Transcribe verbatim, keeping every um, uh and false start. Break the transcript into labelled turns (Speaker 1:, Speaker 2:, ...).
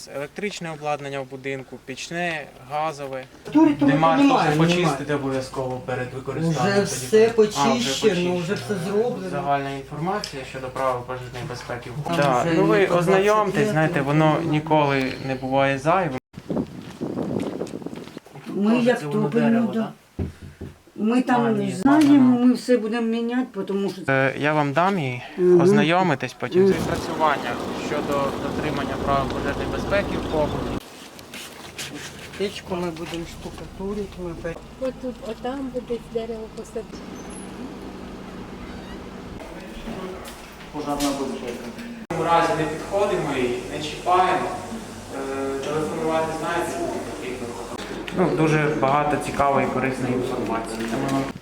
Speaker 1: електричне обладнання в будинку, пічне, газове.
Speaker 2: Турі тому
Speaker 1: Димар
Speaker 2: немає,
Speaker 1: теж
Speaker 2: немає.
Speaker 1: почистити обов'язково перед використанням.
Speaker 2: Вже
Speaker 1: тоді.
Speaker 2: все
Speaker 1: А,
Speaker 2: почищено, вже все
Speaker 1: почищено.
Speaker 2: зроблено.
Speaker 1: Загальна інформація щодо правил пожежної безпеки.
Speaker 2: Там
Speaker 1: Да.
Speaker 2: вже
Speaker 1: Ну ви
Speaker 2: і по
Speaker 1: ознайомтесь,
Speaker 2: двадцять
Speaker 1: знаєте, воно ніколи не буває зайвим.
Speaker 2: Ми
Speaker 1: Може,
Speaker 2: як
Speaker 1: це воно
Speaker 2: топимо,
Speaker 1: дерево,
Speaker 2: да.
Speaker 1: да?
Speaker 2: Ми там
Speaker 1: А, ні,
Speaker 2: знаємо,
Speaker 1: ладно.
Speaker 2: ми все будемо міняти, тому що
Speaker 1: Е, Я вам дам її,
Speaker 2: Мгм.
Speaker 1: ознайомитесь потім.
Speaker 2: Мгм.
Speaker 1: Відпрацювання щодо дотримання правил пожежної безпеки в побуті.
Speaker 2: печку ми будемо штукатурити. Ми... пе-
Speaker 3: От тут, отам буде дерево посадити.
Speaker 1: Пожежна безпека. В цьому разі не підходимо і не чіпаємо. Е, Телефонувати знаєте, куди потрібно. Ну, дуже багато цікавої і корисної інформації. Тому